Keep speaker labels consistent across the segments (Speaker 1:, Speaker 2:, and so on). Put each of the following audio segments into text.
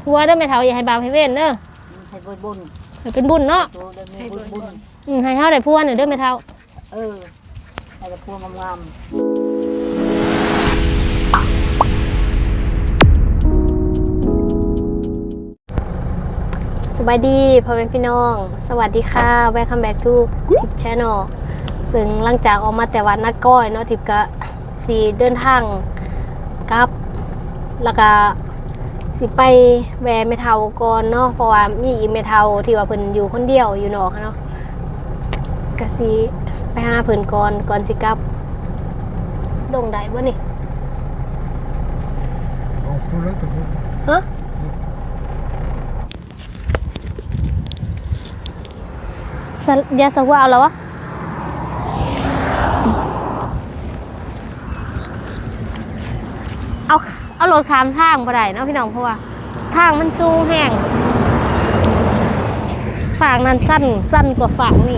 Speaker 1: ผัวเด้อแม่เฒ่าอย่าให้บาปให้เว้นเด้อ
Speaker 2: ให้บุญ
Speaker 1: ให้เป็นบุญเนาะ
Speaker 2: ให้บุญ
Speaker 1: ให้เฮาได้ผัวน่ะเด้อแม่เฒ่า
Speaker 2: ให้ได้ผัวงาม
Speaker 1: สบายดีพ่อแม่พี่น้องสวัสดีค่ะ Welcome back to Tip Channel ซึ่งหลังจากออกมาแต่วัดนักก้อยเนาะทิพก็สิเดินทางกลับแล้วก็สิไปแวะแม่เฒ่าก่อนเนาะเพราะว่ามีอีแม่เฒ่าที่ว่าเพิ่นอยู่คนเดียวอยู่นอกเนาะก็สิไปหาเพิ่นก่อนสิกลับดงได้บ่นี่
Speaker 3: ออกพูดแล้วแต่พูด
Speaker 1: ฮะยาสวะเอาแล้ววะเอารถข้ามทางบ่ได้เนาะพี่น้องเพราะว่าทางมันสูงแห้งฝั่งนั้นสั้นกว่าฝั่งนี่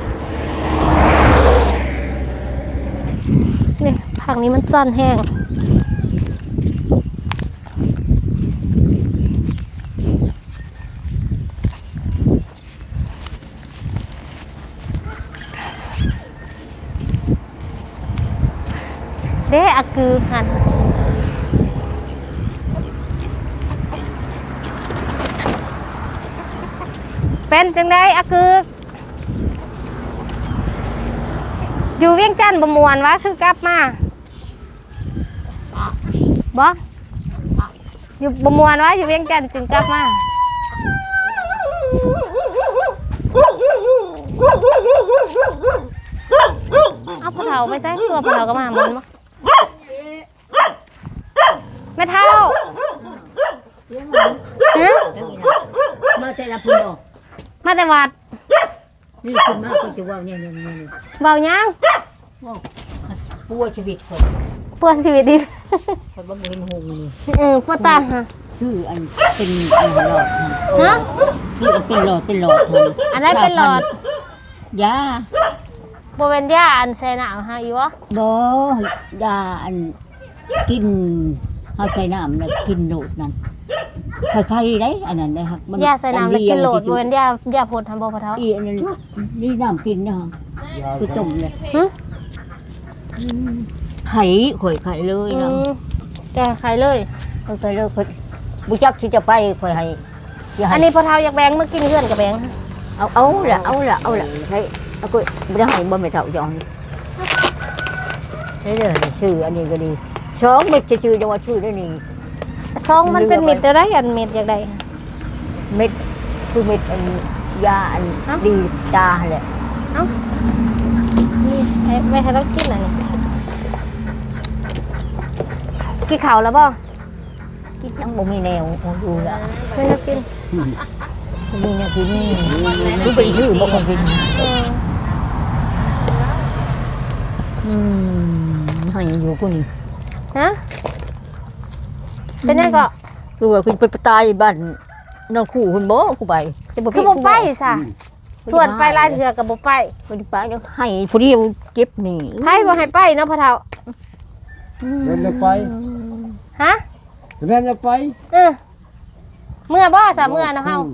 Speaker 1: ฝั่งนี้มันสั้นแห้งเด้อะคือหันเป็นจังได้อะคืออยู่เวียงจันทน์บ่ม่วนวะคือกลับมาบ่อยู่บ่ม่วนวะอยู่เวียงจันทน์จึงกลับมาเอาพ่อเฒ่าไปใส่ตัวพ่อเฒ่าก็มาหมันบ่แม่เฒ่าฮะ
Speaker 2: มาแต่ละพุ่น
Speaker 1: มาแต่วัด
Speaker 2: นี่ขึ้นมาก็จะว่าเนี่ย
Speaker 1: เบายัง
Speaker 2: ปัวชีวิตคน
Speaker 1: ปวดชีวิตดิ
Speaker 2: คนบ่เห็นหงนี่
Speaker 1: ปวดตาฮะ
Speaker 2: ชื่ออันเป็นหลอด
Speaker 1: ฮะ
Speaker 2: ชื่อเป็นหลอด
Speaker 1: อันนั้นเป็นหลอด
Speaker 2: ยา
Speaker 1: บ่เป็นยาอันใส่น้ำฮะอีวะ
Speaker 2: บ่ยาอันกินเฮาใส่น้ำแล้วกินโหลดนั่นใครๆได้อันนั้นได้ครับ
Speaker 1: ยาใส่น้ำแล้วกินโหลดบ่เป็นยาพ่นทำบ่พ่อเฒ่า
Speaker 2: อีอันนั้นนี่น้ำกินเนาะคือต้มเลยไข่ข่อยไข่เลยนะ
Speaker 1: จะไข่เลย
Speaker 2: ไข่เลยข่อยบุจักที่จะไปข่อยให้
Speaker 1: อันนี้พ่อเฒ่าอยากแบ่งมากินเพื่อนกับแบ่ง
Speaker 2: เอาละใช่เอากูไม่ได้ให้บ่แม่เฒ่าจองนี่เด้อชื่ออันนี้ก็ดีสองเม็ดชื่อจังว่าชื่อได้นี่
Speaker 1: ซองมันเป็นเม็ดได้อันเม็ดอยากได้
Speaker 2: เม็ดคือเม็ดอันยาอันดีตาแหละ
Speaker 1: เอ้านี่ไม่ให้ต้องกินอะไรกินข้าวแล้วบ่
Speaker 2: กินยังบ่มีแนวดูละ
Speaker 1: ไม่ได้กิน
Speaker 2: มีแนวกินคือไปยื้อบ่คงกินให้อยู่กูนี่
Speaker 1: ฮะเป็นยังก็
Speaker 2: คือว่าคุณไปตายบ้านน้องคู่คุณบ่กูไป
Speaker 1: คือบ่ไปซะส่วนไปลายเถื่อกับบ่ไป
Speaker 2: บ่ได้ไปแล้วให้ผู้เดียวเก็บนี่
Speaker 1: ไผบ่ให้ไปเนาะพ่อเฒ่า
Speaker 3: เดินไป
Speaker 1: ฮะ
Speaker 3: เดินไป
Speaker 1: เมื่อบ่ซะเมื่อเนาะเฮา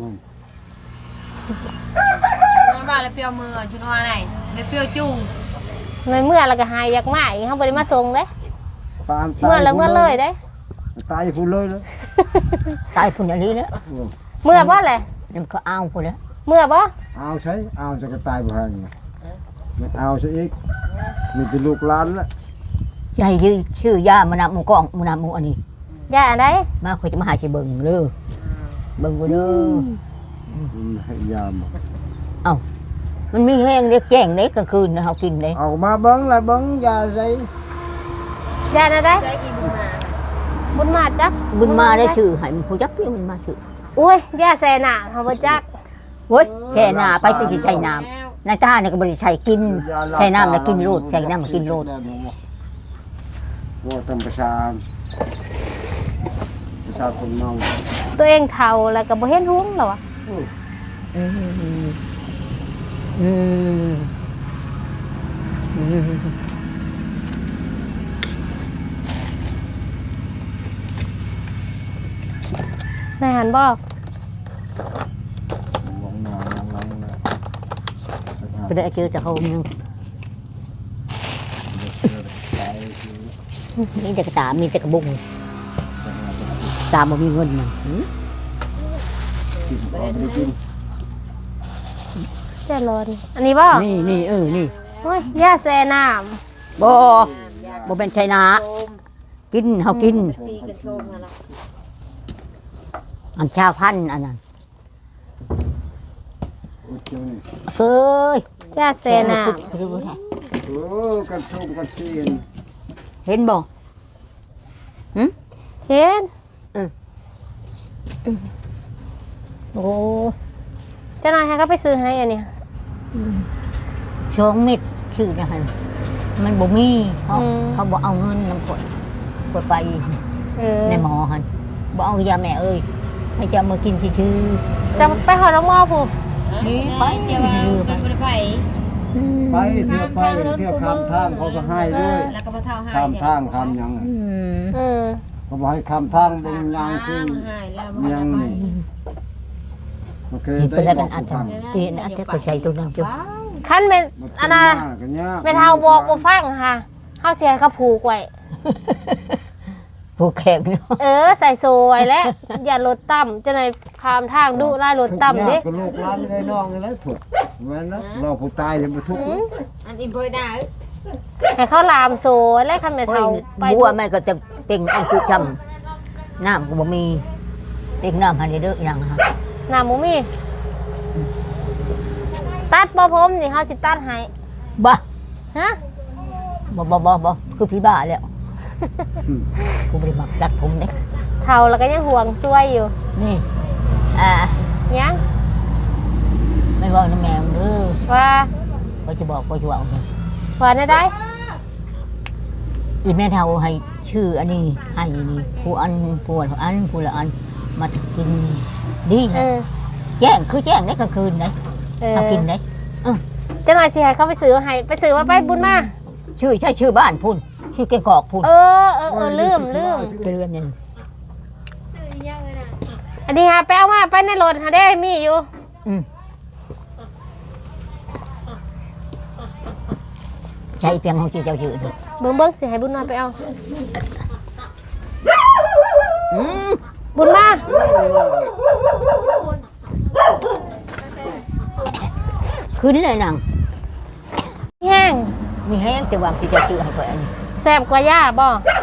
Speaker 4: บ้านแล้วเปียวมือชุนว่าไหนไม่เปียวจุ่ง
Speaker 1: เมื่อแล้วก็หายอยากมาอีกเฮาบ่ได้มาส่งเด้เมื่อแล้วเมื่อเลยเด้
Speaker 3: ตายพุ่นเลย
Speaker 2: ตายพุ่นอันนี้แล้ว
Speaker 1: เมื่อบ่แหละ
Speaker 2: มันก็เอาพุ่นแล้ว
Speaker 1: เมื่อบ่
Speaker 3: เอาใช้เอาจะก็ตายบ่ให้ไม่เอาซะอีกมีเป็นลูกหลานละ
Speaker 2: สิให้ชื่อยามานำหมู่กองมานำหมู่อันนี้
Speaker 1: ยาอันใด
Speaker 2: มาข่อยจะมาหาสิเบิ่งเด้อเบิ่งบ่เด้อ
Speaker 3: ให้ยาม
Speaker 2: เอ้ามันมีแห้งเด็กแจ้งเด็กกลางคืนนะเฮากินเด้
Speaker 3: เอามาเบิ่งแล้วเบิ่งยาไร
Speaker 1: ยาอันใดบุญมาจัก
Speaker 2: บุญมาได้ชื่อให้ผู้จักพี่บุญมาชื่อ
Speaker 1: โอ้ยยาแซ่น่ะเฮาบ่จัก
Speaker 2: โอ้ยแช่น้ำไปสิใช้น้ำนาจ้าเนี่ยก็บ่ได้ใช้กินใช้น้ำแล้วกินโลดใช้น้ำมากินโลด
Speaker 3: ว่าธรรมชาติประชาชนเมา
Speaker 1: ตัวเองเฒ่าแล้วก็บ่เห็นหุ้งหรอวะนายหันบอก
Speaker 3: ลงมาลงนะ
Speaker 2: ไปได้เจอจะโฮมนึงนี่แต่กระตามีแต่กระบุงตามบ่มีเงินน่ะ
Speaker 3: กินพอไม่ได้กิน
Speaker 1: เจ้าร้อนอันนี้บอก
Speaker 2: นี่นี่นี่
Speaker 1: โอ้ยย่าแซ่น้
Speaker 2: บ่เป็นชัยนากินเฮากิน
Speaker 4: ซีกันโชมนั่นล่ะ
Speaker 2: อันชาวพันธุ์อันนั้น
Speaker 3: โอ้ยเจ้านี่
Speaker 2: เอ้ย
Speaker 1: ำย่าแซ่น้
Speaker 3: โอ้กันส้มกันเสียน
Speaker 2: เห็นบ่
Speaker 1: ำเห็น
Speaker 2: โอ้
Speaker 1: เจ้านายให้เขาไปซื้อให้อันเนี้ย
Speaker 2: ช่องเม็ดชื่อนะฮะมันบ่มีเขาบ่เอาเงินนำข่อยไป
Speaker 1: เออ
Speaker 2: ในหมอหั่นบ่เอายาแม่เอ้ยให้จะมากินซื่อ
Speaker 1: จะไปหอน้องหมอผู้
Speaker 2: นี่ไป
Speaker 4: เดี๋ยวว่ามันบ่ได้ไป
Speaker 2: ๆ
Speaker 3: ไปเที่ยวไปเที่ยวข้ามทางเขาก็ให้ด้วย
Speaker 4: แล้วก็บ่เท่าให้
Speaker 3: ข้ามทางข้ามยัง
Speaker 1: อืม
Speaker 3: เขาบอกให้ข้ามทางบนยางคือ
Speaker 4: ให้แล้วบ่
Speaker 3: ยัง
Speaker 4: ได้
Speaker 3: นี่โอเค
Speaker 2: ที่เป็น
Speaker 3: ได้
Speaker 2: แล้ว
Speaker 3: บ
Speaker 2: กั
Speaker 3: อน ก
Speaker 2: อัน
Speaker 3: ผู้
Speaker 2: ทำ
Speaker 3: ทำ
Speaker 2: ที่อันที่เขาใส่ตัวนั้นจุ
Speaker 1: ขั้นเป็นอันน่ะ
Speaker 3: กันยาก
Speaker 1: เป็นเฮาบอกบ่ฟังค่ะเฮาสิให้เขาผูกไว้
Speaker 2: ผู้แขกเนาะ
Speaker 1: เออใส่โซไว้แล้ว อย่ารถต่ำจะไหนายคามทางดุไล่รถต่ำดิ
Speaker 3: ทุกข์ยากกับลูกหลานไอ้น้องนี่แหละถูกแม่นนะเราผู้ตายจะมาทุกข์
Speaker 4: อันอิมเพยได้
Speaker 1: ให้เขาลามโซแล้วคันเป็นเฮาไป
Speaker 2: บัวแม่ก็จะเป็นอันคือจำน้ำก็บ่มีเต็งน้ำหันเด้ออีหยังฮะ
Speaker 1: น้ำหมูมีตัดบ่ผมนี่เฮาสิตัดให้
Speaker 2: บ่
Speaker 1: ฮะ
Speaker 2: บ่คือพี่บ้าแล้วกูบ่ได้มักตัดผมเด้
Speaker 1: เฒ่าแล้วก็ยังห่วงซวยอยู่
Speaker 2: นี่
Speaker 1: ยัง
Speaker 2: ไม่บอกนะแม่มึงเด้อ
Speaker 1: ว่า
Speaker 2: ก็จะบอกเนี่ย
Speaker 1: ว่าได้ได้
Speaker 2: อีแม่เฒ่าให้ชื่ออันนี้ให้นี่ผู้อันผู้ละอันมากินดี
Speaker 1: เอ
Speaker 2: นะ
Speaker 1: อ
Speaker 2: แจ้งคือแจ้งได้กลางคืนได้
Speaker 1: เออ
Speaker 2: เอากินได้
Speaker 1: จะหน่อยสิให้เขาไปซื้อให้ไปซื้อมาไปบุญมา
Speaker 2: ชื่อใช่ชื่อบ้านพุ่นชื่อแกงกอกพุ่น
Speaker 1: เออลืม
Speaker 2: เกลือนนี่
Speaker 1: อันนี้ฮะไปเอามาไปในรถหาได้มีอยู่
Speaker 2: ใช่เพียงของที่เจ้าชื่อนี่
Speaker 1: เบิ่งสิให้บุญมาไปเอาบุญมา
Speaker 2: คืนนี้เลยนาง
Speaker 1: แห้ง
Speaker 2: มีแห้งแต่ว่าที่เจ้าชื่อให้ข่อยอันนี้
Speaker 1: แซ่บกว่าย่าบ่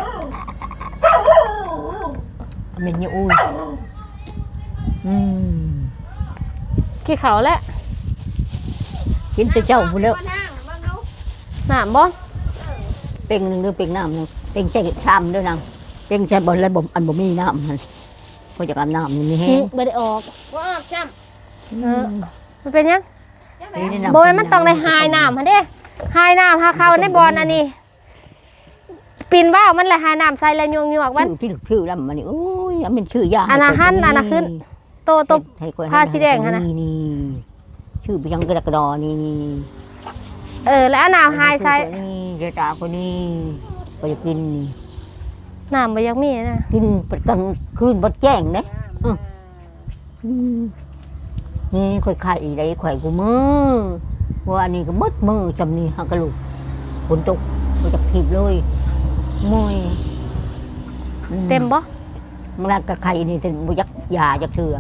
Speaker 2: มันอยู่อุ้ย
Speaker 1: กี่เขาแล้ว
Speaker 2: กินแต่เจ้าพุ่นแล้ว
Speaker 1: น้ำบ่
Speaker 2: เป็นหนึ่งหรือเป็นน้ำหนึ่งเป็นใจชามด้วยนางเป็นใจบนและบ่อันบ่มีน้ำมันพอจากอาบน้ำมันมีแห้ง
Speaker 1: บ่ได้ออก
Speaker 4: บ่ออกจ้ำ
Speaker 1: เออมันเป็นยัง
Speaker 2: นี่น้ำ
Speaker 1: บ่แม่นมันต้องได้หายน้ำหั่นเด้หายน้ำหาเข้าในบ่อนอันนี้ปีนว่าวมันเลยหายน้ำใส่แล้วยวกๆมัน
Speaker 2: ชื่อแล้วมันนี่โอ้ยอันเป็นชื่อยา
Speaker 1: อันน่ะหั่นอันน่ะขึ้น โต ผ้าสีแดงหั่นน่ะ
Speaker 2: นี่ชื่อไปยังกระดอนี่
Speaker 1: แล้วเอาน้ำหายใส่
Speaker 2: นี่เจ้าตาคนนี้ก็จะกินนี่
Speaker 1: น้ำบ่อยังมีนะ
Speaker 2: กินประกลางคืนบัดแจ้งเด้นี่ค่อยไข่ได้ข่อยกูมือว่าอันนี้ก็มัดมือจำนี่ฮักกะลูกฝนตกก็จะถีบเลยมวย
Speaker 1: เต็มบ่
Speaker 2: มันละกับไข่นี่ถึงบุยักยาจากเถื่อ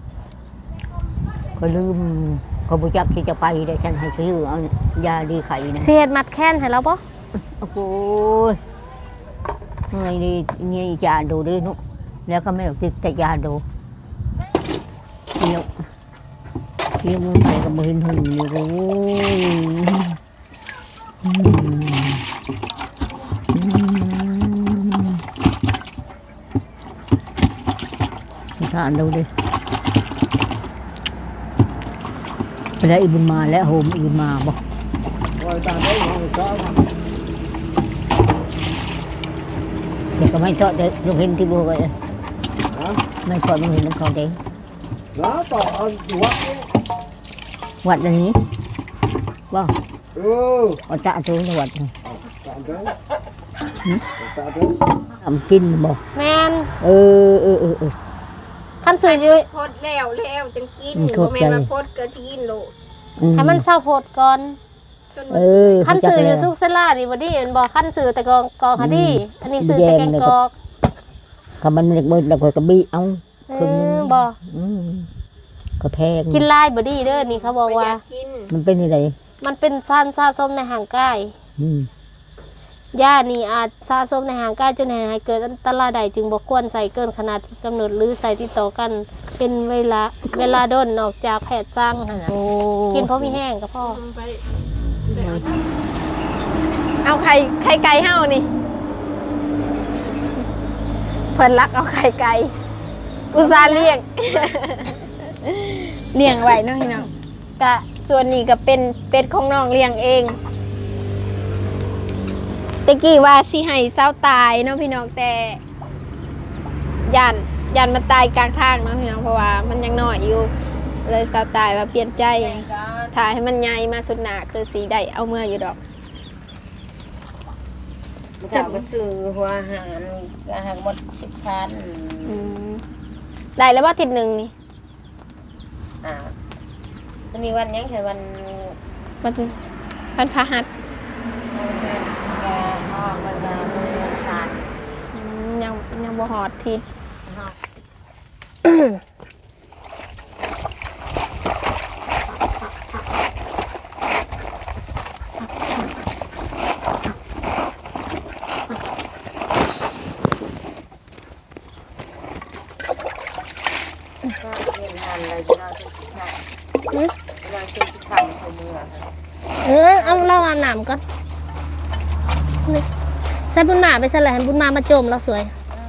Speaker 2: ก็ลืมก็บุยักที่จะไปได้ฉันให้ชื่อเอายาดีไข่นะ
Speaker 1: สิเฮ็ดมัดแค้นให้เราบ่
Speaker 2: โอ้โหเมื่อยนี่นี่ยาดูดินุแล้วก็ไม่เอาติดแต่ยาดูเที่ยวมึงไปกับมือหึงนี่โอ้ยทานดูดิไปได้อีบุญมาแล้วโฮมอีบุญมาบอก
Speaker 3: โอ้ยตาได้ของเจ้า
Speaker 2: เดี๋ยวก็ไม่ชอบเด็กลูกเห็นที่บัวไป
Speaker 3: ฮะ
Speaker 2: ไม่ชอบลูกเห็นน้ำเขาเด็ก
Speaker 3: แล้วต่อเอาหัว
Speaker 2: วัดอันนี้ว่า เอาจ่าตัวในวัด
Speaker 3: ตาเด้อตาเด้อ
Speaker 2: ทำกินบอก
Speaker 1: แม่น
Speaker 2: เออ
Speaker 1: คัคันซื้ออยู่
Speaker 4: โพดแล้วจังกิน
Speaker 2: โท
Speaker 4: บ่
Speaker 2: ษ
Speaker 4: แม่
Speaker 2: ใจ
Speaker 4: นว่าโพดก็สิกินโลด
Speaker 1: ให้มันเศร้าโพดก่อน
Speaker 4: จน
Speaker 2: เอ
Speaker 4: มัน
Speaker 2: อ
Speaker 1: คันซื้ออยู่
Speaker 2: เขา
Speaker 1: ซุ
Speaker 2: จั
Speaker 1: กเซล่านี่บ่ดีมันบอกคันซื้อแต่กอคดีอันนี้ซื้อแต่แกงกอก
Speaker 2: ก็มันเล็กมืดแล้วก็บีเอา
Speaker 1: เออบ่
Speaker 2: อืมก็แพง
Speaker 1: กินลายบ่ดีเด้อนี่เขาบอกว่า
Speaker 4: ไปยกิน
Speaker 2: มันเป็นอะไร
Speaker 1: มันเป็นสารสะสมในห่างกาย
Speaker 2: อืม
Speaker 1: ยานี่อาจสะสมในห่างกายจนให้เกิดอันตรายใดจึงบ่ควรใส่เกินขนาดที่กำหนดหรือใส่ติดต่อกันเป็นเวลาดนนอกจากแพทย์สั่งหั่นน่ะ
Speaker 2: โอ้
Speaker 1: กินเพราะมีแห้งก็พอ
Speaker 4: ไปเอาไข่ไก่เฮานี่เพิ่นรักเอาไข่ไก่อุตส่าห์เลี้ยง เลี้ยงไว้เนาะพี่น้องกะส่วนนี้ก็เป็นเป็ดของน้องเลี้ยงเองตะกี้ว่าสิให้เศร้าตายเนาะพี่น้องแต่ยันมาตายกลางทางเนาะพี่น้องเพราะว่ามันยังน้อยอยู่เลยเศร้าตายว่าเปลี่ยนใจถ่ายให้มันใหญ่มาสุดหนาคือสีได้เอาเมื่ออยู่ดอก
Speaker 5: เจ้าก็ซื้อหัวอาหารหมด10,000
Speaker 4: อืมได้แล้วว่าทิศหนึ่งนี่
Speaker 5: วันนี้วันยังคือวัน
Speaker 4: วันพฤหัส
Speaker 5: แกห้องวันวันขาด
Speaker 4: ยังบ่หอดทิศ
Speaker 5: ก็เรียนงานอะไรที่เราจะทำเราจะทำคนเมือง
Speaker 1: เอาเล่าอาบน้ำก่อนนี่ใส่บุญมาไปใส่แหละให้บุญมาโจมแล้วสวย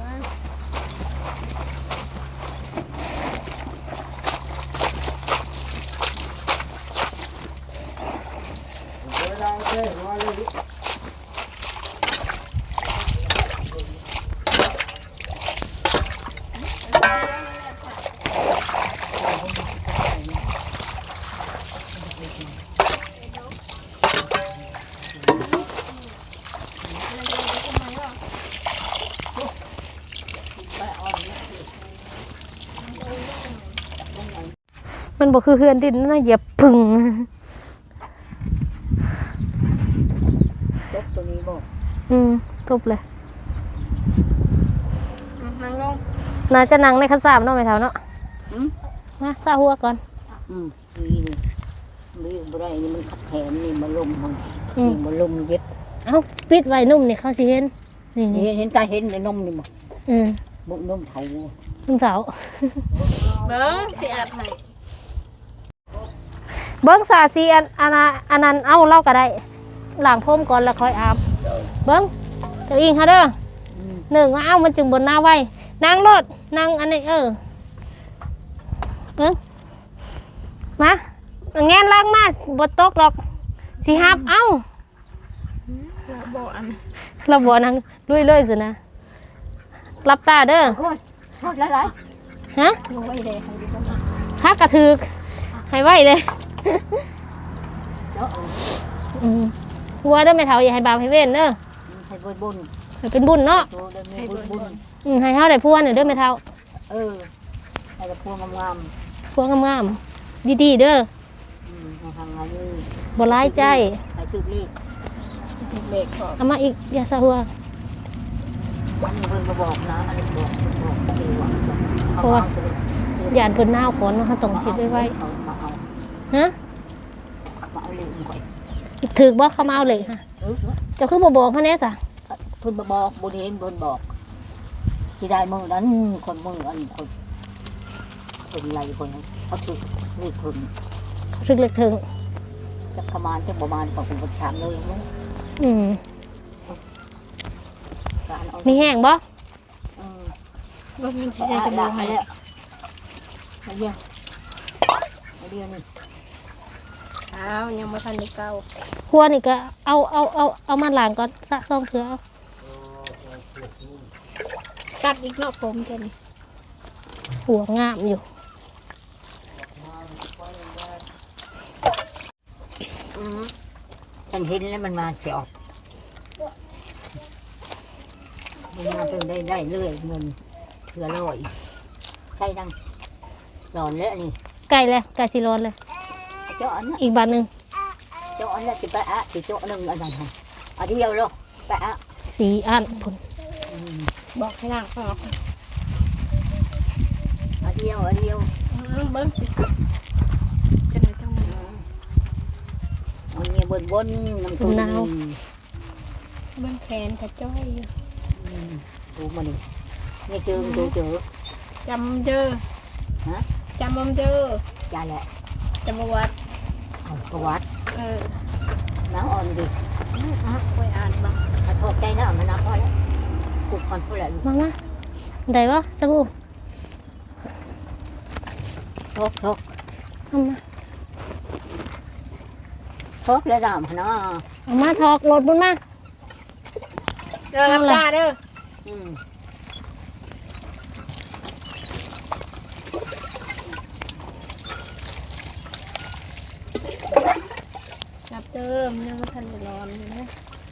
Speaker 1: มันบอกคือเฮือนดินนะอย่าพึ่ง
Speaker 5: จบตัวนี้บอก
Speaker 1: ทุบเลย
Speaker 4: นั่งลง
Speaker 1: น่าจะนั่งในข้าวสามเนาะไม่เท่าเนาะมาซาหัวก่อน
Speaker 2: นี่นี่บ่ได้นี่มันขัดแขนนี่มาลมมันนี่มาลมเย็บ
Speaker 1: เอ้าปิดไว้นุ่มนี่เขาสิเห็นนี่นี่
Speaker 2: เห็นตาเห็นในนมนี่บ่
Speaker 1: อืม
Speaker 2: บุนมเถา
Speaker 1: ลุงสาว
Speaker 4: เบิ้งสิอาบให้
Speaker 1: เบิ้งสาสีอันนั้นเอาเล่าก็ได้ล้างพรมก่อนแล้วค่อยอาบเบิ้งเจ้าอิงค่ะเด้อหนึ่งว่าเอามันจึงบนหน้าไว้นั่งรถนั่งอันนี้เบิ้งมาแงนล้างมาบดตกหรอกสิฮับเอ้า
Speaker 4: บ่อัน
Speaker 1: เราบ่นั่งลุยเลยสินะรับตาเด้อ
Speaker 2: โทษหลาย
Speaker 1: ฮะ
Speaker 2: ๆลงไว้เลยให้ดีกว่า
Speaker 1: ข้ากระถือให้ไว้เลย
Speaker 2: เนาะ
Speaker 1: หัวเด้อแม่เฒ่าอย่าให้บาปให้เว้นเด้อ
Speaker 2: ให้บุญ
Speaker 1: ให้เป็นบุญเนาะ
Speaker 2: โตได้มีบุญ
Speaker 1: ให้เฮาได้พัวเนี่ยเด้อแม่เฒ่า
Speaker 2: ให้พวงงาม
Speaker 1: พัวงามๆดีๆเด้อ
Speaker 2: ให้ทางงานนี้
Speaker 1: บ่ร้ายใจ
Speaker 2: ให้ตึกเลข
Speaker 4: เด็กขอ
Speaker 1: เอามาอีกอย่าซะหัว
Speaker 2: มันเพิ่นมาบอกนะอันนี้บอกคือว่า
Speaker 1: เพราะว่าย่านเพิ่นหนาวก่อนเนาะเฮาต้องคิดไว้
Speaker 2: เอามาเอา
Speaker 1: ฮะ
Speaker 2: มาเอาเลขก่อน
Speaker 1: ถึกบ่เขามาเอาเลยค่ะเจ้าคือบ่บอกเฮาแน่ซะ
Speaker 2: เพิ่นมาบอกบ่เห็นเพิ่นบอกที่ได้มื้อนั้นคนมื้ออันคนเป็นไรคนเขาถูกเลขเพิ่น
Speaker 1: ถึกเล็กถึง
Speaker 2: จักประมาณจักประมาณของคนประชามเลยมั้ง การเอา
Speaker 1: มีแห้งบ่
Speaker 4: บ่มันสิใส่สบู่ให้
Speaker 2: เอาเดียวเอาเดียวนี่
Speaker 4: อ้าวยังบ่ทันได้เก่า
Speaker 1: หัวนี่ก็เอามาล้างก่อนซะซ่อมเถือเอา
Speaker 4: กัดอีกเนาะผมแค่นี้
Speaker 1: หัวงามอยู่
Speaker 2: ฉันเห็นแล้วมันมาเสียออกมันมาเป็นได้เรื่อยเงินเถื่อลอยใช่ดังหลอนแล้วนี่
Speaker 1: ไก่เลยไก่สิร้อนเลย
Speaker 2: เจ้าอันนั้น
Speaker 1: อีกบาทหนึง
Speaker 2: เจ้าอันนั้นสิไปอะสิเจ้าอันนึงอันนั้นฮะอันเดียวเนาะไปอะ
Speaker 1: 4อันพุ่น
Speaker 4: บอกให้นางออก
Speaker 2: อันเดียว
Speaker 4: เบิ้งสิจังไหนจังไหน
Speaker 2: อันนี้บนน้ำตุ้น
Speaker 4: เบิ้งแขนกระจ้อยอยู่
Speaker 2: ดูมาดินี่เจอเจอ
Speaker 4: จำเจอ
Speaker 2: ฮะ
Speaker 4: จำมเจอ
Speaker 2: จ่าแหละ
Speaker 4: จำประวัติ
Speaker 2: เอาประวัติ
Speaker 4: Ờ,
Speaker 2: น้ำอ่อนดิ
Speaker 4: ไปอ่านบ้าง
Speaker 2: ถ้าทอกใจน้ำมันน้ำพอแล้วกุกมันพูดแล้ว
Speaker 1: มาได้บ่สบู่
Speaker 2: ทอก
Speaker 1: เอามา
Speaker 2: ทอกแล้วน้ำเนาะ
Speaker 1: เอามาถอกรถบุญมา
Speaker 4: เด้อรับตาเด้อ
Speaker 2: อืม
Speaker 4: รับเติมยังไม่ทันได้ร้อนอยู่นะ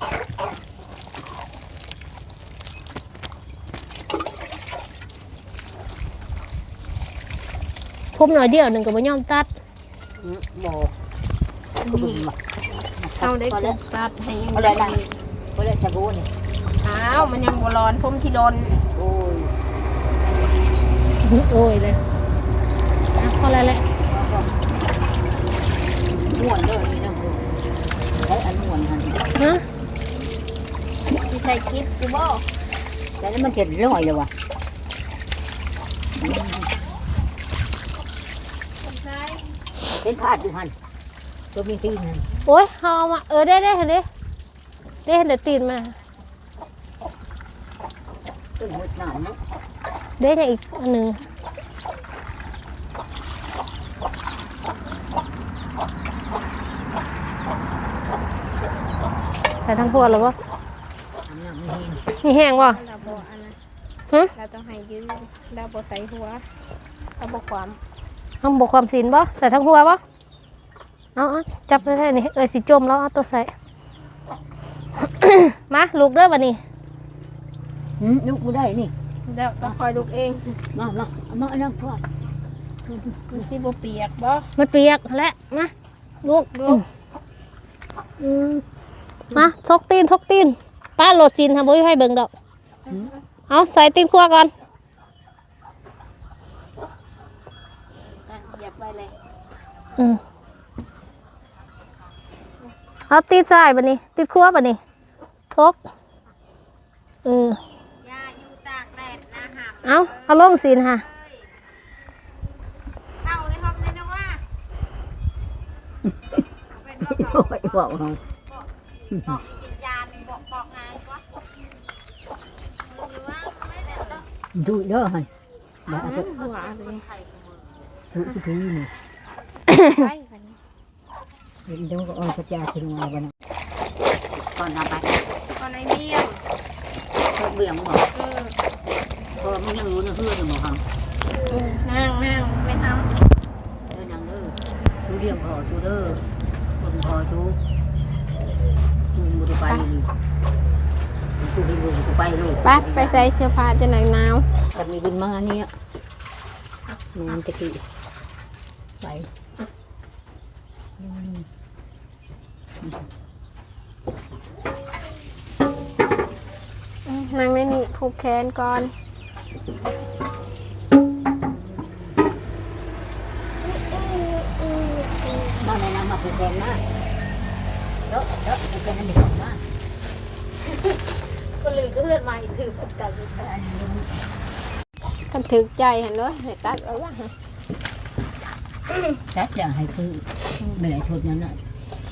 Speaker 1: คมหน่อยเดียวหนึงก็บ่ยอมตัด
Speaker 2: บอกกุกมา
Speaker 4: เอาได้กดตัดให้ยัง
Speaker 2: อะไร
Speaker 4: ได้
Speaker 2: นะก็เลยสบู่นี่
Speaker 4: อ้าวมันยังบ่ร้อนผมที่ร้อน
Speaker 2: โอ้ย
Speaker 1: โอ้ยเลยอ่ะพอแล้วแหละ
Speaker 2: ม่วนเลยนี่นะคุณใช้อันม่วนหัน
Speaker 1: ฮะ
Speaker 4: ที่ใส่กิ๊บกูบ่
Speaker 2: แล้วมันจะร่อยเลยวะ
Speaker 4: ใช่
Speaker 2: เป็นพาดอยู่หันตัวมีตีนหัน
Speaker 1: โอ้ยเอามาได้เห็นดิได้เห็นแต่ตีนมา
Speaker 2: ต้นหัวหนามมั้ง
Speaker 1: ได้แต่อีกอันหนึงใส่ทั้งพวกหรือวะ
Speaker 2: ทำน้ำไม่เห็น
Speaker 1: มีแห้งวะ
Speaker 4: เราบ่อันนั้น
Speaker 1: ฮะ
Speaker 4: เราต้องให้ยืนเราบ่ใส่หัวเราบ่ความ
Speaker 1: ทำบกความสินบ่ใส่ทั้งหัวบ่เอาจับได้นี่สิจมแล้วเอาตัวใส่ มาลูกเด้อบัดนี้
Speaker 2: ลูกกูได้นี่
Speaker 4: เดี๋ยวต้องคอยลุกเอง
Speaker 2: มาอันนั้นพ่อ
Speaker 4: มันสิบ่เปียกบ่
Speaker 1: มันเปียกและมาลูก
Speaker 4: ลูก
Speaker 1: มาทกตีนป้าโหลดสินทำบ่ให้เบิ่งดอกเอาใส่ตีนคั่วก่อน
Speaker 4: เหยียบไปเลย
Speaker 1: เอาตีนใส่บัดนี้ตีนคั่วบัดนี้ทก
Speaker 4: อย่าอยู่ตากแดดนะหาม
Speaker 1: เอาลงสินค่ะ
Speaker 4: เข้าในห้องเลยนะว่า
Speaker 2: โอ้ยบอกเรา
Speaker 4: บอกกินยาบอกงานวะหรือว่าไม่ได้ต้อง
Speaker 2: ดูเด้อหันมา
Speaker 4: หัวเลย
Speaker 2: ดูที่นี่
Speaker 4: ไป
Speaker 2: เห็นเดี๋ยวก็เอากระจายถึงมาบ้านก่อนเอาไป
Speaker 4: ตอนในเมี่ยง
Speaker 2: เบี่ยงบอกเพราะมันยังรู้เนื้อเพื่อนอยู่หมอครับ
Speaker 4: นั่งไม่ท
Speaker 2: เด้อนางเด้อดูเรียงพอดูเด้อคนพอดูดูไปดูไปลูก
Speaker 4: ำไปใส่เสื้อผ้าจะหนักหนาว
Speaker 2: แต่มีบุญมาเนี่ยงานตะกี้ไป
Speaker 4: นั่งในนี่ผูกแขนก่อน
Speaker 2: มาในน้ำมาผูกแขนมาเด้อผูกแขนนั่นเด็กมา
Speaker 1: ก็ลืมก็เพื่อนมาอีกคือกัน
Speaker 4: กันถึกใจเห็นด้วยให้ตัดเอาละ
Speaker 2: แซ่บอย่างให้คือไม่ได้ชุดนั้นน่ะ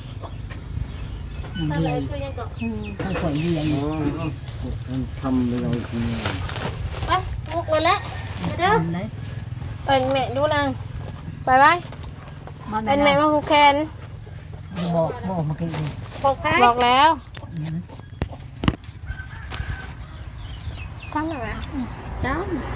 Speaker 2: มัน
Speaker 1: อะไร
Speaker 2: เรียน
Speaker 1: คือยังก็
Speaker 2: ทั้งคนเรียน
Speaker 3: มันทำไปเราที
Speaker 1: ไปลูกเลยละเด้อ
Speaker 2: เลย
Speaker 4: เป็นแม่ดูนางไปไปเป็นแม่มาผูกแขน
Speaker 2: บอกมาคือ
Speaker 1: บอกใคร
Speaker 4: บอกแล้วทำอะไร
Speaker 2: จ้า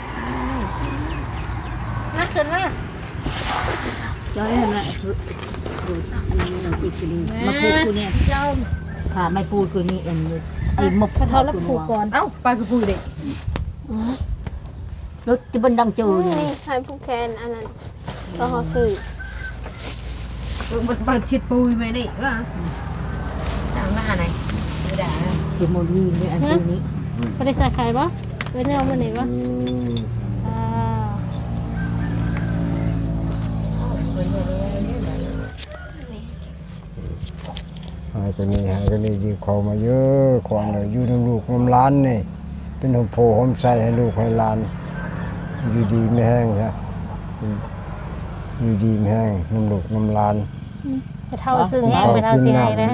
Speaker 1: นักขึ้นมา
Speaker 2: จ้าให้มาคือดูอันนี้เราอีกทีมาพูดกูเนี่ย
Speaker 1: เจ้า
Speaker 2: ค่ะไม่พูดกูนี่เอ็นไอ้มก
Speaker 1: เขารับผูกก่อน
Speaker 2: เอ้าไปกูพูดเด็กรถจะบันดังเจออยู่
Speaker 4: นี่ให้ผูกแขนอันนั้นก็เขาซื้อ
Speaker 5: มันเปิดชิดปุยไปนี่ว่าจำมาไหนไม่ได้
Speaker 2: คือโมลีนี่อันนี้
Speaker 1: บ่ได้ใส่ไข่บ่เอ้ยแนวมื้อนี้บ่
Speaker 3: อืม
Speaker 1: อ่า
Speaker 3: หายตัวนี้หายตัวนี้ดีขอมาเยอะขวานเลยอยู่ในลูกน้ำล้านนี่เป็นหัวโพหอมใส่ให้ลูกให้หลานอยู่ดีไม่แห้งใช่อยู่ดีไม่แห้งน้ำลูกน้ำล้าน
Speaker 1: ไปเท่าซึ่งแห้งไปเท่าสิให้นะ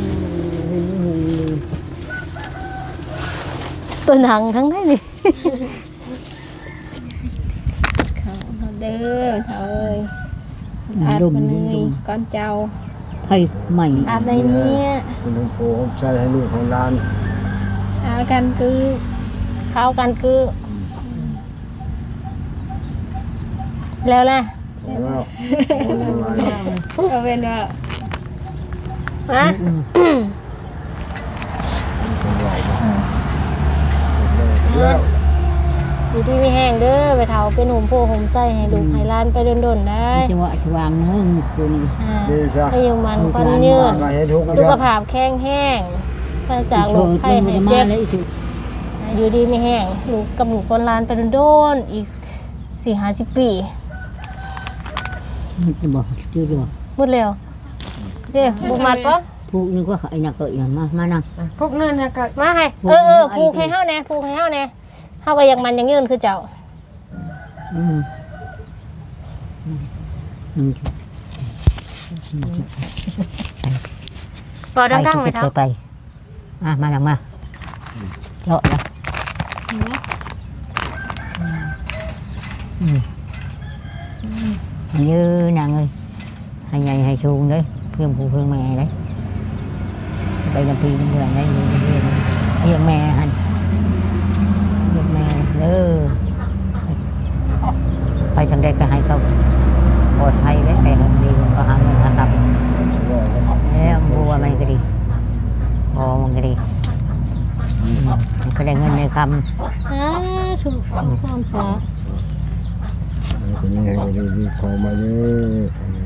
Speaker 1: ตัวหนังทั้งได้นี่
Speaker 4: เขาเด้อเถาเอ้ยอาบมันเลยก้อนเจ้า
Speaker 2: ไผ่ใหม่
Speaker 4: อาบในนี้
Speaker 3: เป็นหัวโพหอมใส่ให้ลูกให้หลาน
Speaker 4: อาบกันคือ
Speaker 1: เข้ากันคือแล้วแหละ
Speaker 3: แล้ว
Speaker 4: เอาเป็นว่า
Speaker 1: ฮะ
Speaker 3: แล้ว
Speaker 1: อยู่ที่มีแห้งเด้อไปเท่าเป็นห่มโพห่มไส้ให้ลูกให้หล้านไปโดนๆได้
Speaker 2: จังหวะชวางเนื้อตัวนี้
Speaker 1: อ่า
Speaker 3: ดีจ้ะ
Speaker 1: ให้อยู่มันควันยืน
Speaker 3: มาเห็นทุกข์
Speaker 1: สุขภาพแข็งแห้งไปจากโรคภัยให้เจ็บ
Speaker 2: เลยสิ
Speaker 1: อยู่ดีไม่แห้งลูกกับลูกคนหลานไปโดนๆอีก4-50 ปี
Speaker 2: มันจะบอกชื่อเดียว
Speaker 1: หมดแล้วเด้บ่มัดปะ
Speaker 2: ผู้นึกว่าไอ้นักเกิดอย่างมานั่ง
Speaker 5: พวกนั้นนะก็
Speaker 1: มาให้ผูกให้เฮาแหน่ผูกให้เฮาแหน่เฮาก็อยากมันอยังยืนคือเจ้า บ่ดังๆไหมเท่า
Speaker 2: ไปมานั่งมาเลาะนะnhư nàng ơi hay nhảy hay xuông đấy phim phụ phương mẹ đấy đây là phim người đây là mẹ hành mẹ nữa phải sang đây cả hai không một thay đấy cái hôm đi có hai người hàng tập đấy mua mấy cái đi một cái đi cái này ngân này cầm
Speaker 1: ถูกความฟ้า
Speaker 3: ตัวนี้ให้ดีขอมาเยอะ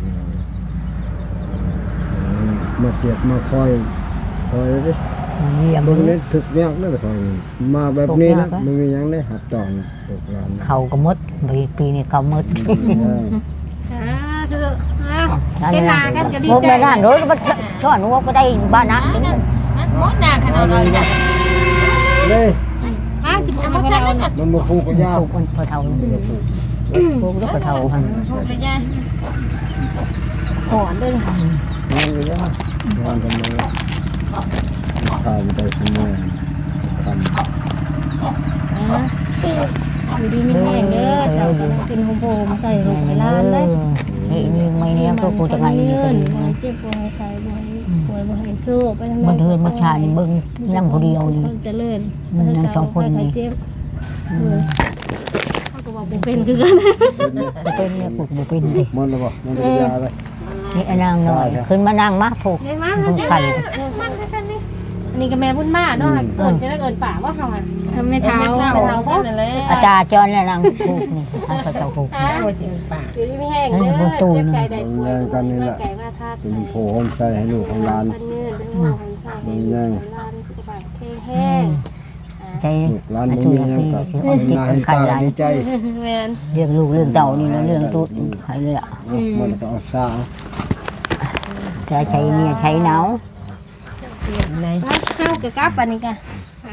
Speaker 3: มาเจ็บมาคอยดิ
Speaker 2: gì
Speaker 3: เบิ่ง
Speaker 2: bưng
Speaker 3: นี้ถึกยากนะคอยมาแบบนี้นะมึงมีหยังได้หับตอนลูกหลาน
Speaker 2: khâu có mứt vì pi này khâu mứt
Speaker 1: เฮ็ดนากันก็ดี
Speaker 2: một
Speaker 1: ใจ
Speaker 2: lần ăn rồi nó bắt cho ăn uống ở đây ba nát
Speaker 5: มดหนาขนาดเลยจ้ะ
Speaker 3: เด้
Speaker 1: 50ปีก็แล้วน่ะ
Speaker 3: มันมาฟูกยาว
Speaker 2: phục con phở thầu phục rất là thầu hành
Speaker 5: พูดไปย่า
Speaker 1: หอนด้วย
Speaker 3: งานอยู่แล้วงานกันเลยข้าวมันไปสมองคำ
Speaker 1: อยู่ดีมีแห้งเด้อเจ้าก็เป็นห่มโพห่มใส่ลูกให้หลานเลย
Speaker 2: นี่mấy em tôi cô chẳng ai như
Speaker 1: บ่
Speaker 2: thế
Speaker 1: ให้เจ็บบ่ให้ไข้บ่ให้ป่วยบ่ให้สู้ไปทาง
Speaker 2: mình thương mất trà thì bưng năm cô đi đâu
Speaker 1: เจริญ
Speaker 2: นั่งสองคนนี่
Speaker 1: เจ็บเขาก็บอกบ่เป็นคือกัน
Speaker 2: tên phục một pin thì
Speaker 3: มันเลยบ่มันจะยาเลย
Speaker 2: นี่นางหน่อยขึ้นมานั่งมาผูก
Speaker 1: ได้มา
Speaker 2: ผูกไข่
Speaker 1: อันนี้ก็แม่บุญมาเนาะเอิ้นจะได้เอิ้นป่าว่าเฮาอ่ะ
Speaker 4: ไม่เท้า
Speaker 5: ก็นั่นแหละ
Speaker 2: อาจารย์จอนแล้วนางผูกนี่ท่านก็จะผูก
Speaker 5: โอ้ยเสียงปาก
Speaker 1: อยู่ดีมีแห้งเด้อเจ็บไก่ได้ป่วยไก่มาทัด
Speaker 3: เป็นโผล่ใส่ให้ลูกของหลาน
Speaker 1: พันเงินด้วยว่าคนใส่ให้หลานสุขภาพแข็งแรง
Speaker 2: ใจ
Speaker 3: ลูกหลาน
Speaker 2: อา
Speaker 3: บ่
Speaker 2: จุ
Speaker 3: มี
Speaker 2: ย
Speaker 3: หยัง
Speaker 2: พี่
Speaker 3: ก็
Speaker 2: สิ
Speaker 3: เห็นหน้าเห็น
Speaker 2: ไข่
Speaker 3: ตา
Speaker 2: ไร
Speaker 3: ดีใจ
Speaker 1: แม่น
Speaker 2: เรื่องลูกเรื่องเต่านี่เรื่องตุ๊ดไข่เลยอ่ะ
Speaker 3: มันก็เอาซา
Speaker 2: จะใช้เนี่ยใช้หนาว
Speaker 5: ไหน
Speaker 1: ข้าวกับกับอันนี้กัน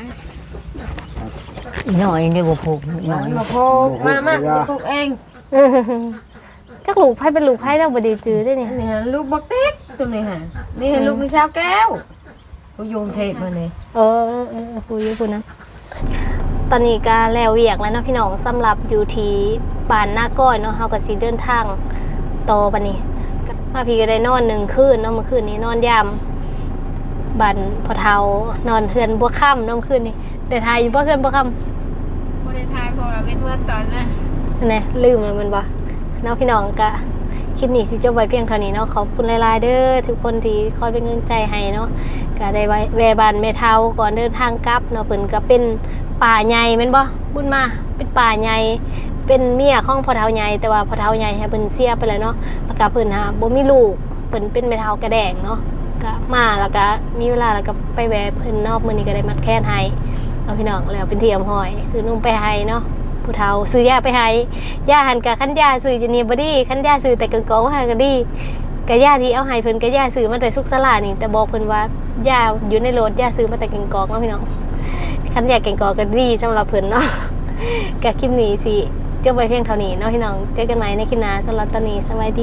Speaker 2: หน่อยนี่บ่ผูกหน่อย
Speaker 5: มาพูกมาพูกเอง
Speaker 1: จักลูกไผเป็นลูกไผแล้วบ่ได้จื้อได้นี่
Speaker 5: นี่ฮะลูกบักติ๊กตัวนี้ฮะนี่ฮะลูกนี่ชาวแก้วกูโยงเทปมาเลย
Speaker 1: คุยอยู่พุ่นนะตอนนี้ก็แล้วเวียกแล้วเนาะพี่น้องสำหรับอยู่ที่บ้านนาก้อยเนาะเฮาก็สิเดินทางต่อบัดนี้มาพี่ก็ได้นอน1คืนเนาะเมื่อคืนนี้นอนยามบ้านพ่อเฒ่านอนเฮือนบัวค่ำเนาะเมื่อคืนนี้ได้ทายอยู่บ่เฮือนบัวค่ำ
Speaker 4: บ่ได้ทายเพราะว่าเป็นเมื่อตอนน่ะ
Speaker 1: นี่ลืมแล้วมันบ่เนาะพี่น้องก็คลิปนี้สิจบไว้เพียงเท่านี้เนาะขอบคุณหลายๆเด้อทุกคนที่คอยเป็นกำลังใจให้เนาะก็ได้แวะบ้านแม่เฒ่าก่อนเดินทางกลับเนาะเพิ่นก็เป็นป่าใหญ่แม่นบ่บุญมาเป็นป่าใหญ่เป็นเมียของพ่อเฒ่าใหญ่แต่ว่าพ่อเฒ่าใหญ่ให้เพิ่นเสียไปแล้วเนาะแล้วก็เพิ่นบ่มีลูกเพิ่นเป็นแม่เฒ่ากระแดงเนาะก็มาแล้วก็มีเวลาแล้วก็ไปแวะเพิ่นเนาะมื้อนี้ก็ได้มัดแค้นให้เอาพี่น้องแล้วเป็นที่อำหอยซื้อนมไปให้เนาะผู้เฒ่าซื้อยาไปให้ยาหันก็คันยาซื้อจะนี่บ่ดีคันยาซื้อแต่กงกองให้ก็ดีก็ยาที่เอาให้เพิ่นก็ยาซื้อมาแต่สุกสลานี่แต่บอกเพิ่นว่ายาอยู่ในรถยาซื้อมาแต่กงกองเนาะพี่น้องคันยาแกงกอกก็ดีสำหรับเพิ่นเนาะก็คลิปนี้สิจบไว้เพียงเท่านี้เนาะพี่น้องเจอกันใหม่ในคลิปหน้าสำหรับตอนนี้สวัสดี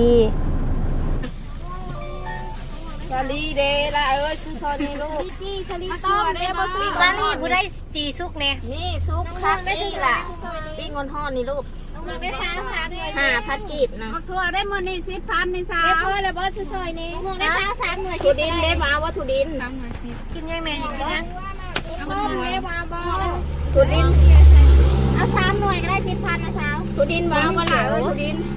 Speaker 5: สาลีเดล่ะซื้อซอยนี่ลูก
Speaker 4: จี้ชลิต้อมเด้บ่ซื้อ
Speaker 1: ซาลีผู้ได้จีซุกแน่
Speaker 5: นี่ซุปคักนี่ล่ะปิ้งงอนห่อนี่ลูก
Speaker 4: ได้3 3หน่วย
Speaker 5: 5,000กีบนะ
Speaker 6: ทั่วได้หมดนี่10,000นี่สา
Speaker 4: เด้
Speaker 6: ว
Speaker 4: เพิ่นแล้วบ่ซื้อซอยนี้ม่วงได้3หน่วย
Speaker 5: ทุดินได้มาว่าทุดิน
Speaker 6: 3หน่วย10
Speaker 1: กินยังแม่อยากกินยัง
Speaker 4: ม่วงได้มาบ่
Speaker 5: ทุดิน
Speaker 4: เอา3หน่วยก็ได้10,000นะสาว
Speaker 5: ทุดินว้าวว่าล่ะทุดิน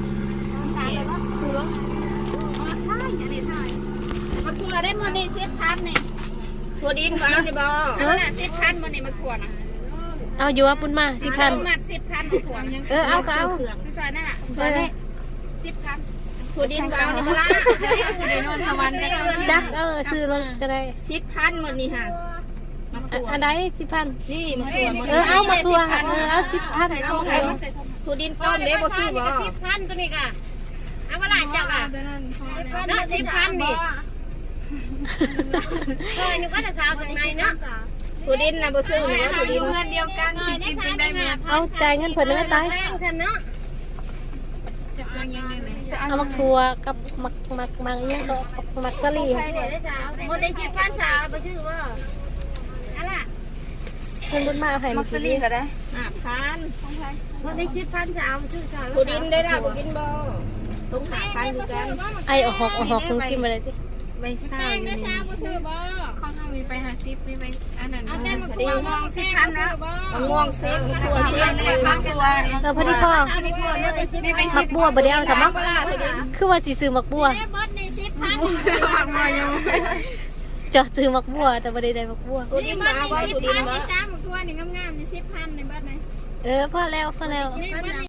Speaker 6: มาทั่วได้หมดนี่10,000นี่
Speaker 5: ทุดินว้าวนี่บ่
Speaker 6: อันนั้นน่ะ10,000หมดนี่มาทั่วนะ
Speaker 1: เอาอยู่ว่าปุ้นมาสิพัน
Speaker 6: มัด10,000มาทั่วยัง
Speaker 1: เอาก็เอา
Speaker 6: คือซอยนั่นน่ะซอยนี้10,000
Speaker 5: ทุดินว้าวนี่บ่ล่ะ
Speaker 6: เดี๋ยวเอาสิได้นอนสวรรค์จะเอาสิ
Speaker 1: จักซื้อลงจะได้
Speaker 5: 10,000หมดนี่ฮะ
Speaker 1: อันใด10,000
Speaker 5: นี่มาทั่ว
Speaker 1: เอามาทัวเอา10,000
Speaker 6: เอาใครมาใส่ถุง
Speaker 5: ทุดินต้มเด้บ่ซื้อบ่
Speaker 6: 10,000ตัวนี้ก็เอามาหลายจักอ่ะตัวนั้นพอแล้ว
Speaker 5: 10,000นี่
Speaker 6: ซอยนึกว่าจะสาวจากไหนเนาะ
Speaker 5: ทุดินน่ะบ่ซื้อเนาะทุดิน
Speaker 6: เงินเดียวกันสิกินจังได้แม่
Speaker 1: เอาจ่ายเงินเพิ่นได้ตาย
Speaker 6: กันเนาะจะเป็นยังไงเลย
Speaker 1: เอามักทัวกับมักเนี่ยก็มักซาลี
Speaker 6: หมดได้10,000สาวบ่ซื้อบ่อะไร
Speaker 1: เพิ่นบุญมาเอาให้เมื่อกี้นี้
Speaker 5: 5,000
Speaker 6: หมดได้10,000สาวซื้อสาว
Speaker 5: ทุดินได้ล่ะบ่กินบ่ต้อง5,000คือกัน
Speaker 1: ไอ้ออกคุณกินมาเลยสิ
Speaker 6: ใบซ่าอยู่นี่
Speaker 4: บ่ซื้อบ่
Speaker 6: ของเฮามีไป50มีไปอันนั้น
Speaker 4: เอาแต่มา
Speaker 6: ดีมอง10,000แล้ว
Speaker 5: มะม่วงซิกถั่วซิก
Speaker 6: ในบ้านตัว
Speaker 1: พอดีพ่อ
Speaker 6: มีไป
Speaker 1: มักบัวบ่ได้เอาซะมั้งคือว่าสิซื้อมักบัว
Speaker 4: ได้เบิดใน10,000
Speaker 6: 10,000มาอยู่
Speaker 1: จอดซื้อมักบัวแต่บ่ได้ได้มักบัว
Speaker 5: ทุดินมาบ่ทุดินบ่
Speaker 4: นี่3ทั่วนี่งามๆนี่10,000ในเบิดไหน
Speaker 1: พอแล้ว
Speaker 4: นี่เบิดใน